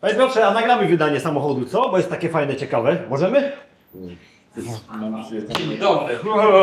Panie Piotrze, a nagramy wydanie samochodu, co? Bo jest takie fajne, ciekawe. Możemy? Dzień dobry.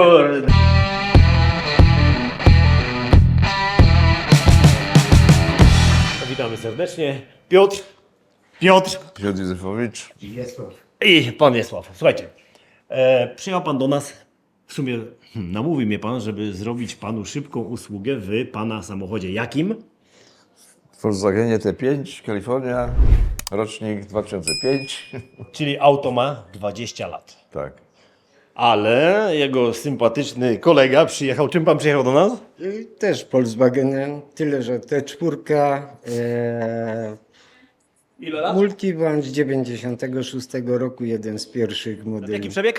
Witamy serdecznie. Piotr. Piotr Piotr Józefowicz. i pan Wiesław. Słuchajcie, przyjechał pan do nas. W sumie namówił mnie pan, żeby zrobić panu szybką usługę w pana samochodzie. Jakim? Volkswagenie T5, Kalifornia, rocznik 2005. Czyli auto ma 20 lat. Tak. Ale jego sympatyczny kolega przyjechał. Czym pan przyjechał do nas? Też Volkswagenem, tyle że T4, Ile lat? Multivan z 96 roku, jeden z pierwszych modeli. Jaki przebieg?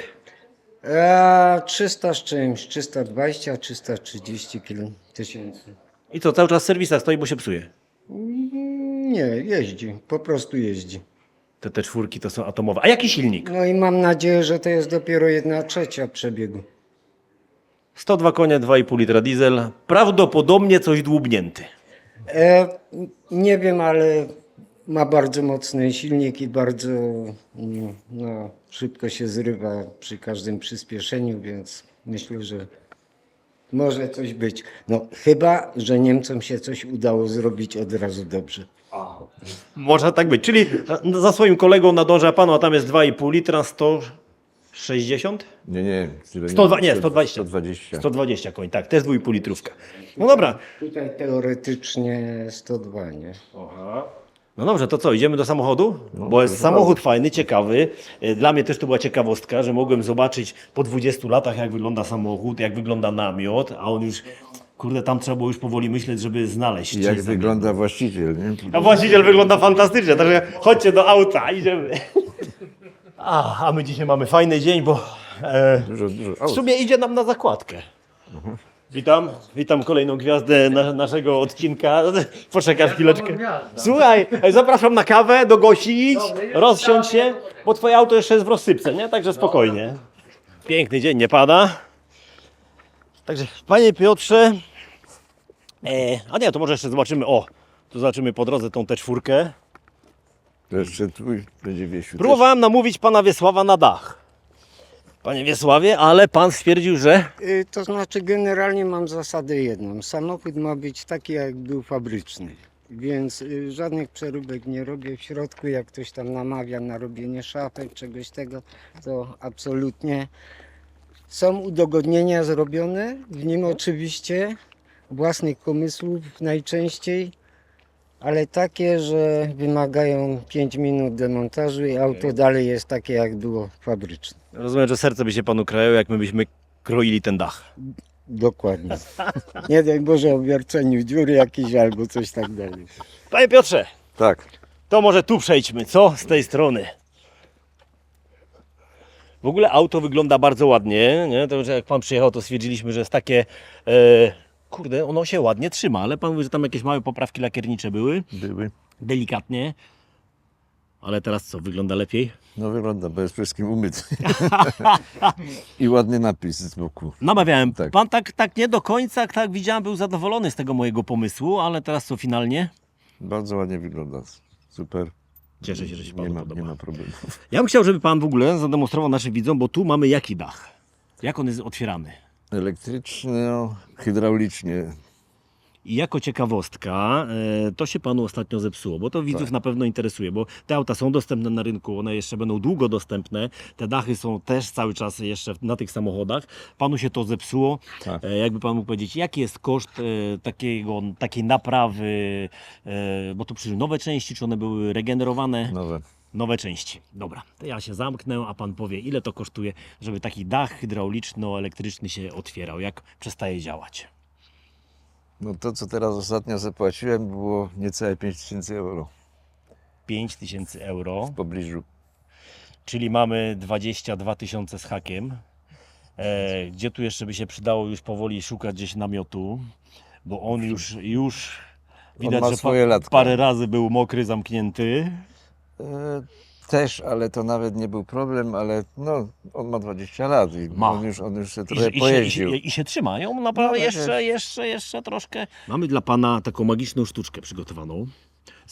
300 z czymś, 320, 330 tysięcy. I co, cały czas w serwisach stoi, bo się psuje? Nie, jeździ, po prostu jeździ. Te czwórki to są atomowe. A jaki silnik? No i mam nadzieję, że to jest dopiero 1/3 przebiegu. 102 konie, 2,5 litra diesel. Prawdopodobnie coś dłubnięty. Nie wiem, ale ma bardzo mocny silnik i bardzo szybko się zrywa przy każdym przyspieszeniu, więc myślę, że może coś być. No chyba, że Niemcom się coś udało zrobić od razu dobrze. Może tak być. Czyli za swoim kolegą nadąża pan, a tam jest 2,5 litra, 160? Nie. 102, nie, 120. 120. 120 koń, tak, to jest 2,5 litrówka. No dobra. Tutaj teoretycznie 102, nie? No dobrze, to co, idziemy do samochodu? Bo jest samochód fajny, ciekawy. Dla mnie też to była ciekawostka, że mogłem zobaczyć po 20 latach, jak wygląda samochód, jak wygląda namiot, a on już, kurde, tam trzeba było już powoli myśleć, żeby znaleźć. I jak wygląda właściciel, nie? A właściciel wygląda fantastycznie, także chodźcie do auta, idziemy. A my dzisiaj mamy fajny dzień, bo Dużo w aut. sumie idzie nam na zakładkę. Witam kolejną gwiazdę naszego odcinka. Poczekaj chwileczkę. Słuchaj, zapraszam na kawę, do Gosi idź, rozsiądź się, bo twoje auto jeszcze jest w rozsypce, nie? Także spokojnie. Piękny dzień, nie pada. Także, panie Piotrze, a nie, to może jeszcze zobaczymy, tu zobaczymy po drodze tą T4. To jeszcze twój będzie Wiesiu. Próbowałem namówić pana Wiesława na dach. Panie Wiesławie, ale pan stwierdził, że... To znaczy generalnie mam zasadę jedną. Samochód ma być taki, jak był fabryczny. Więc żadnych przeróbek nie robię w środku. Jak ktoś tam namawia na robienie szafek, czegoś tego, to absolutnie. Są udogodnienia zrobione, w nim oczywiście, własnych pomysłów najczęściej, ale takie, że wymagają 5 minut demontażu i auto dalej jest takie, jak było fabryczne. Rozumiem, że serce by się panu krajało, jak my byśmy kroili ten dach. Dokładnie. Nie daj Boże o wierceniu dziury jakieś albo coś tak dalej. Panie Piotrze, Tak. to może tu przejdźmy, co? Z tej strony. W ogóle auto wygląda bardzo ładnie, nie? To, że jak pan przyjechał, to stwierdziliśmy, że jest takie... kurde, ono się ładnie trzyma, ale pan mówi, że tam jakieś małe poprawki lakiernicze były. Były. Delikatnie. Ale teraz co, wygląda lepiej? No wygląda, bo jest wszystkim umyty. I ładny napis z boku. Namawiałem. Tak. Pan tak nie do końca, tak widziałem, był zadowolony z tego mojego pomysłu, ale teraz co finalnie? Bardzo ładnie wygląda. Super. Cieszę się, że się Nie panu ma, podoba. nie ma problemu. Ja bym chciał, żeby pan w ogóle zademonstrował naszym widzom, bo tu mamy jaki dach? Jak on jest otwierany? Elektryczno, hydraulicznie. I jako ciekawostka, to się panu ostatnio zepsuło, bo to widzów na pewno interesuje, bo te auta są dostępne na rynku, one jeszcze będą długo dostępne, te dachy są też cały czas jeszcze na tych samochodach. Panu się to zepsuło. Tak. Jakby pan mógł powiedzieć, jaki jest koszt takiej naprawy, bo tu przyszły nowe części, czy one były regenerowane? Nowe. Nowe części. Dobra, to ja się zamknę, a pan powie, ile to kosztuje, żeby taki dach hydrauliczno-elektryczny się otwierał, jak przestaje działać. No to, co teraz ostatnio zapłaciłem, było niecałe 5000 euro 5000 euro, w pobliżu. czyli mamy 22 tysiące z hakiem. Gdzie tu jeszcze by się przydało już powoli szukać gdzieś namiotu, bo on już widać, ma że swoje latka. parę razy był mokry, zamknięty. Też, ale to nawet nie był problem, ale no, on ma 20 lat i Ma. on już się trochę pojeździł. I się trzymają naprawdę No, tak jeszcze troszkę. Mamy dla pana taką magiczną sztuczkę przygotowaną.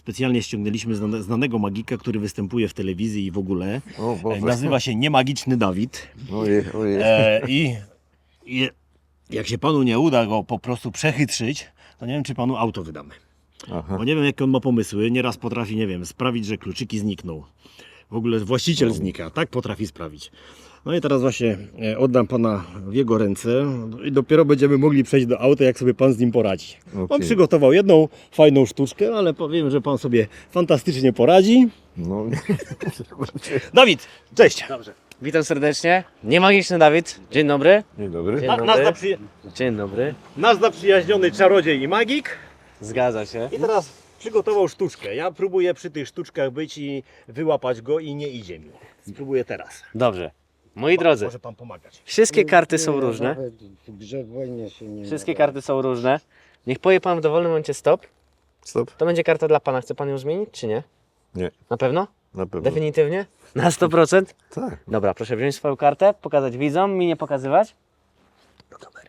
Specjalnie ściągnęliśmy znanego magika, który występuje w telewizji i w ogóle. O Boże. Nazywa się Niemagiczny Dawid. Ojej, ojej. I jak się panu nie uda go po prostu przechytrzyć, to nie wiem, czy panu auto wydamy. Aha. Bo nie wiem, jakie on ma pomysły. Nieraz potrafi, nie wiem, sprawić, że kluczyki znikną. W ogóle właściciel znika. Tak potrafi sprawić. No i teraz właśnie oddam pana w jego ręce i dopiero będziemy mogli przejść do auta, jak sobie pan z nim poradzi. On Okej. przygotował jedną fajną sztuczkę, ale powiem, że pan sobie fantastycznie poradzi. No, Dawid, cześć! Dobrze. Witam serdecznie. Niemagiczny Dawid. Dzień dobry. dzień dobry. Dzień Nasz, dobry. Dzień dobry. nasz zaprzyjaźniony czarodziej i magik. Zgadza się. I teraz przygotował sztuczkę. Ja próbuję przy tych sztuczkach być i wyłapać go i nie idzie mi. Spróbuję teraz. Dobrze. Moi drodzy, Może pan pomagać. wszystkie karty są różne. Nawet w grze w wojnie się nie Wszystkie nadaje. karty są różne. Niech powie pan w dowolnym momencie stop. Stop. To będzie karta dla pana. Chce pan ją zmienić, czy nie? Nie, Na pewno? na pewno. Definitywnie? Na 100%? Tak. Dobra, proszę wziąć swoją kartę, pokazać widzom, mi nie pokazywać. Do kamery.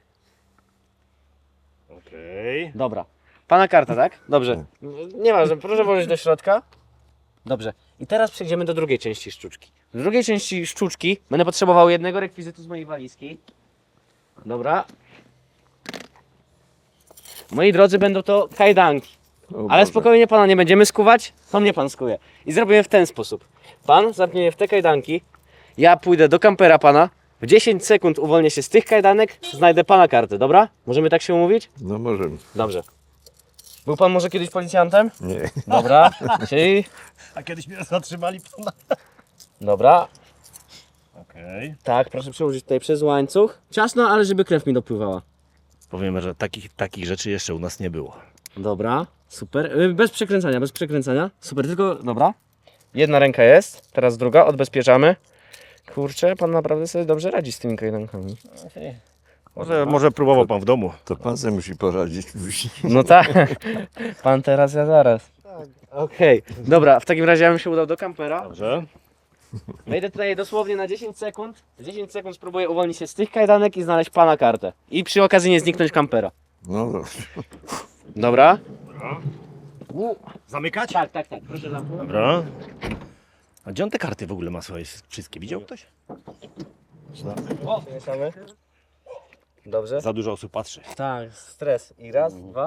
Okej. Dobra. Pana karta, tak? Dobrze. Nieważne, proszę włożyć do środka. Dobrze. I teraz przejdziemy do drugiej części sztuczki. W drugiej części sztuczki będę potrzebował jednego rekwizytu z mojej walizki. Dobra. Moi drodzy, będą to kajdanki. O Ale Boże. spokojnie, pana nie będziemy skuwać, to mnie pan skuje. I zrobimy w ten sposób. Pan zamknie je w te kajdanki, ja pójdę do kampera pana, w 10 sekund uwolnię się z tych kajdanek, znajdę pana kartę, dobra? Możemy tak się umówić? No możemy. Dobrze. Był pan może kiedyś policjantem? Nie. Dobra, czyli... A kiedyś mnie zatrzymali pana. Dobra, Okej. tak, proszę przełożyć tutaj przez łańcuch. Ciasno, ale żeby krew mi dopływała. Powiemy, że takich rzeczy jeszcze u nas nie było. Dobra, super. Bez przekręcania, bez przekręcania. Super, tylko, dobra. Jedna ręka jest, teraz druga, odbezpieczamy. Kurczę, pan naprawdę sobie dobrze radzi z tymi kajdankami. Może próbował pan w domu. To pan sobie musi poradzić. No tak, pan teraz, ja zaraz. Okej, dobra, w takim razie ja bym się udał do kampera. Dobrze. Wejdę tutaj dosłownie na 10 sekund. 10 sekund spróbuję uwolnić się z tych kajdanek i znaleźć pana kartę. I przy okazji nie zniknąć kampera. No dobrze. Dobra? Zamykać? Tak, proszę zamknąć. Dobra. A gdzie on te karty w ogóle ma swoje wszystkie? Widział ktoś? O, mieszamy. Dobrze. Za dużo osób patrzy. Tak, stres. I raz, dwa.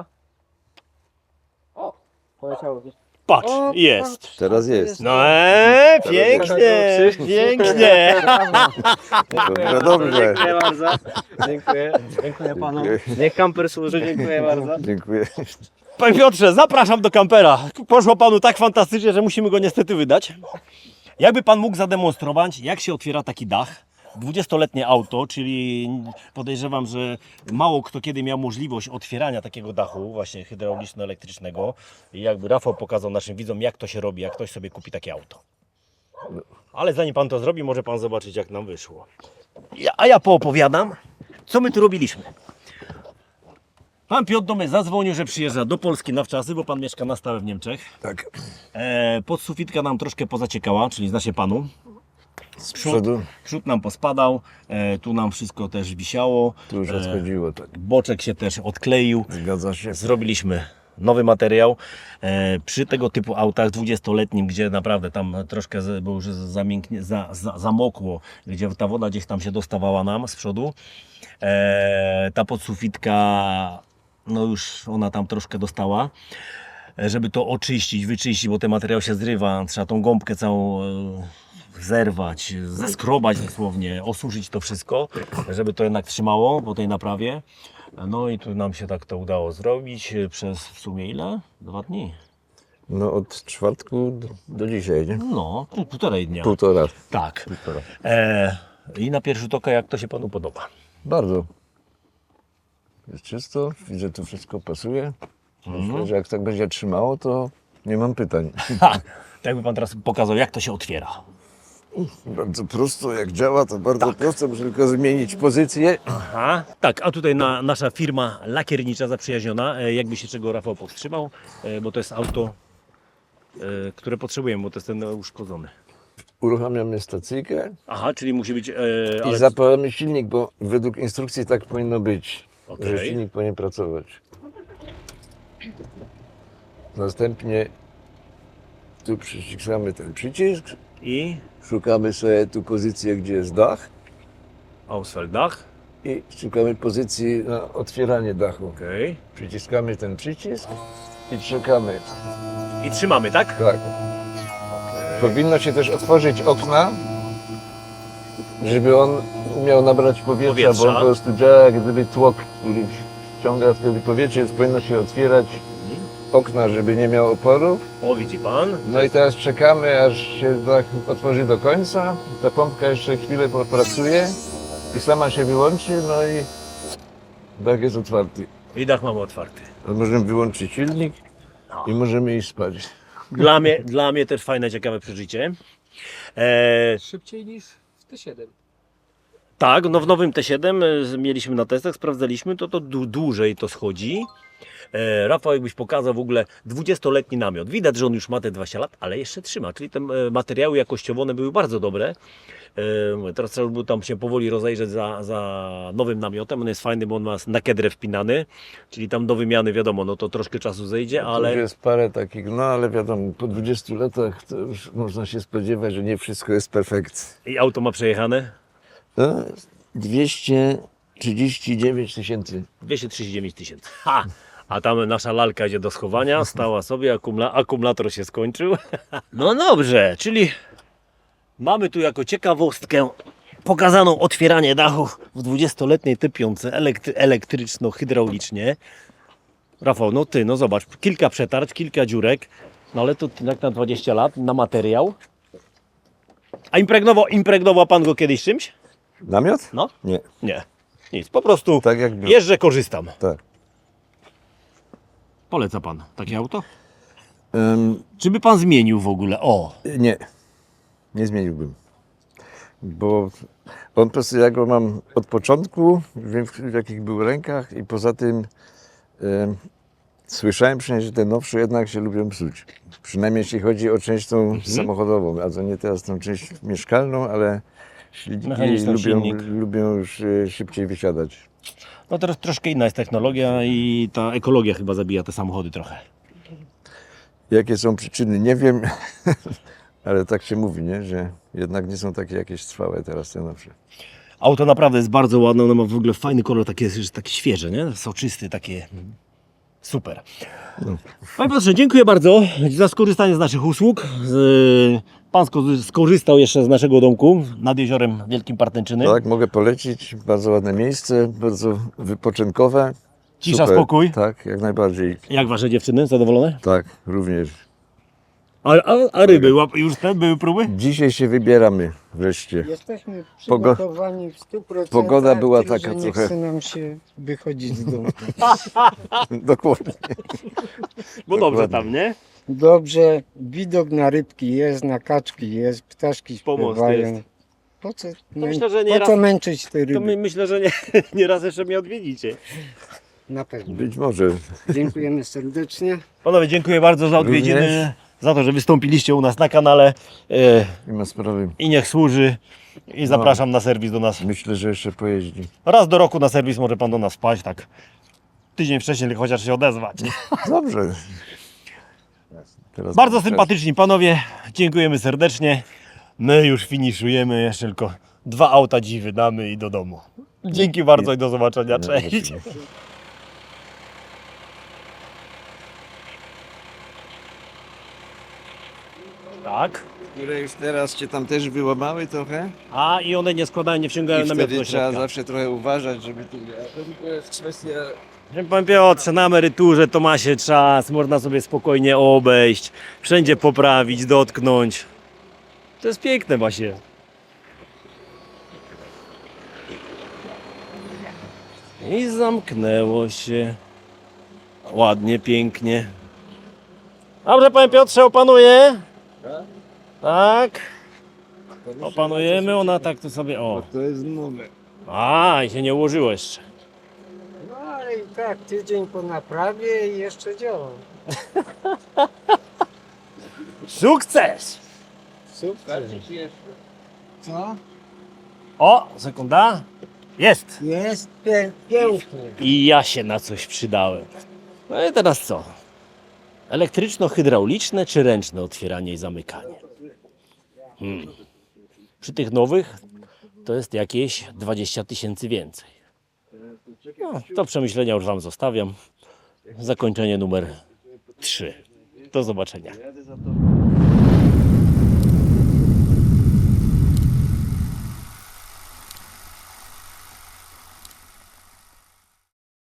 O, poleciało. Patrz, O, jest. Teraz jest. No pięknie, pięknie. Dobrze, dobrze. Dziękuję bardzo. Dziękuję. Dziękuję panu. Niech kamper służy, dziękuję bardzo. Dziękuję. Panie Piotrze, zapraszam do kampera. Poszło panu tak fantastycznie, że musimy go niestety wydać. Jakby pan mógł zademonstrować, jak się otwiera taki dach? 20-letnie auto, czyli podejrzewam, że mało kto kiedy miał możliwość otwierania takiego dachu, właśnie hydrauliczno-elektrycznego. I jakby Rafał pokazał naszym widzom, jak to się robi, jak ktoś sobie kupi takie auto. Ale zanim pan to zrobi, może pan zobaczyć, jak nam wyszło. A ja poopowiadam, co my tu robiliśmy. Pan Piotr do mnie zadzwonił, że przyjeżdża do Polski na wczasy, bo pan mieszka na stałe w Niemczech. Tak. Podsufitka nam troszkę pozaciekała, czyli zna się panu. Z przodu Przód nam pospadał, tu nam wszystko też wisiało. tu już odchodziło, tak. Boczek się też odkleił. Zgadza się. Zrobiliśmy nowy materiał. Przy tego typu autach 20-letnim, gdzie naprawdę tam troszkę było już zamokło, gdzie ta woda gdzieś tam się dostawała nam z przodu. Ta podsufitka, no już ona tam troszkę dostała. Żeby to oczyścić, wyczyścić, bo ten materiał się zrywa, trzeba tą gąbkę całą zerwać, zeskrobać dosłownie, osuszyć to wszystko, żeby to jednak trzymało po tej naprawie. No i tu nam się tak to udało zrobić przez w sumie ile? 2 dni. No od czwartku do dzisiaj, nie? No, półtorej dnia. Półtora. Tak. I na pierwszy rzut oka, jak to się panu podoba? Bardzo. Jest czysto, widzę, tu wszystko pasuje. Myślę, że jak tak będzie trzymało, to nie mam pytań. Tak jakby pan teraz pokazał, jak to się otwiera. Bardzo prosto, jak działa, to bardzo prosto, muszę tylko zmienić pozycję. Aha. Tak, a tutaj nasza firma lakiernicza zaprzyjaźniona, jakby się czego Rafał powstrzymał, bo to jest auto, które potrzebujemy, bo to jest ten uszkodzony. Uruchamiamy stacyjkę Aha, czyli musi być... i zapalamy silnik, bo według instrukcji tak powinno być, Okej. że silnik powinien pracować. Następnie Tu przyciskamy ten przycisk, I szukamy sobie tu pozycję, gdzie jest dach Ausfelddach. i szukamy pozycji na otwieranie dachu. Okej. Przyciskamy ten przycisk i czekamy. I trzymamy, tak? Tak. Powinno się też otworzyć okna, żeby on umiał nabrać powietrza, bo on po prostu działa jak gdyby tłok, który ściąga wtedy powietrze, więc powinno się otwierać okna, żeby nie miał oporów. O, widzi pan? No i teraz czekamy, aż się dach otworzy do końca. Ta pompka jeszcze chwilę popracuje i sama się wyłączy, no i dach jest otwarty. I dach mamy otwarty. Możemy wyłączyć silnik i możemy iść spać. Dla mnie też fajne, ciekawe przeżycie. Szybciej niż w T7. Tak, no w nowym T7 mieliśmy na testach, sprawdzaliśmy, to dłużej to schodzi. Rafał, jakbyś pokazał w ogóle 20-letni namiot. Widać, że on już ma te 20 lat, ale jeszcze trzyma, czyli te materiały jakościowo one były bardzo dobre. Teraz trzeba by tam się powoli rozejrzeć za nowym namiotem. On jest fajny, bo on ma na kedrę wpinany, czyli tam do wymiany wiadomo, no to troszkę czasu zejdzie, To ale... już jest parę takich, no ale wiadomo, po 20 latach to już można się spodziewać, że nie wszystko jest perfekcji. I auto ma przejechane? No, 239 tysięcy. 239 tysięcy. Ha! A tam nasza lalka idzie do schowania, stała sobie, akumulator się skończył. No dobrze, czyli mamy tu jako ciekawostkę pokazaną otwieranie dachu w 20-letniej typiące elektryczno-hydraulicznie. Rafał, no zobacz, kilka przetarć, kilka dziurek, no ale to jak na 20 lat, na materiał. A impregnował pan go kiedyś czymś? Namiot? No? Nie, Nie, nic, po prostu tak jak był. jeżdżę, korzystam. Tak. Poleca pan takie auto? Czy by pan zmienił w ogóle? O! Nie, nie zmieniłbym. Bo on po prostu, ja go mam od początku, wiem w jakich był rękach i poza tym słyszałem przynajmniej, że te nowsze jednak się lubią psuć. Przynajmniej jeśli chodzi o część tą samochodową, a to nie teraz tą część mieszkalną, ale silniki Mechaniczny silnik. lubią już szybciej wysiadać. No teraz troszkę inna jest technologia i ta ekologia chyba zabija te samochody trochę. Jakie są przyczyny, nie wiem, ale tak się mówi, nie? Że jednak nie są takie jakieś trwałe teraz te nowsze. Auto naprawdę jest bardzo ładne, ono ma w ogóle fajny kolor, takie świeże, nie? Soczysty, takie super. Panie Piotrze, dziękuję bardzo za skorzystanie z naszych usług. Pan skorzystał jeszcze z naszego domku nad jeziorem Wielkim Partęczyny. Tak, mogę polecić, bardzo ładne miejsce, bardzo wypoczynkowe. Cisza, Super. spokój. Tak, jak najbardziej. Jak wasze dziewczyny? Zadowolone? Tak, również. A ryby już te były próby? Dzisiaj się wybieramy wreszcie. Jesteśmy przygotowani w 100%. Pogoda była tylko, taka że nie trochę- chce nam się wychodzić z domu. Dokładnie. Bo dobrze Dokładnie. tam, nie? Dobrze, widok na rybki jest, na kaczki jest, ptaszki Pomost śpiewają. jest. Po co, myślę, że po nieraz- co męczyć te ryby? To myślę, że nieraz jeszcze mnie odwiedzicie. Na pewno. Być może. Dziękujemy serdecznie. Panowie, dziękuję bardzo za odwiedziny, Również. za to, że wystąpiliście u nas na kanale Nie ma sprawy. i niech służy. I zapraszam na serwis do nas. Myślę, że jeszcze pojeździ. Raz do roku na serwis może pan do nas wpaść, tak tydzień wcześniej chociaż się odezwać. Dobrze. Teraz Bardzo czas. sympatyczni panowie, dziękujemy serdecznie. My już finiszujemy, jeszcze tylko 2 auta dziś wydamy i do domu. Dzięki bardzo i do zobaczenia, cześć. Tak. Które już teraz cię tam też wyłamały trochę. A i one nie składają, nie wciągają I namiotu wtedy do trzeba środka. zawsze trochę uważać, żeby tu... To jest kwestia... Panie Piotrze, na emeryturze to ma się czas, można sobie spokojnie obejść, wszędzie poprawić, dotknąć. To jest piękne właśnie. I zamknęło się. Ładnie, pięknie. Dobrze, panie Piotrze, opanuje? Tak. Opanujemy, ona tak to sobie, o. To jest nowe. A, i się nie ułożyło jeszcze. No ale i tak, tydzień po naprawie i jeszcze działa. Sukces! Super. Co? O, sekunda. Jest. Jest pięknie. I ja się na coś przydałem. No i teraz co? Elektryczno-hydrauliczne czy ręczne otwieranie i zamykanie? Przy tych nowych to jest jakieś 20 000 więcej. No, do przemyślenia już Wam zostawiam. Zakończenie numer 3. Do zobaczenia.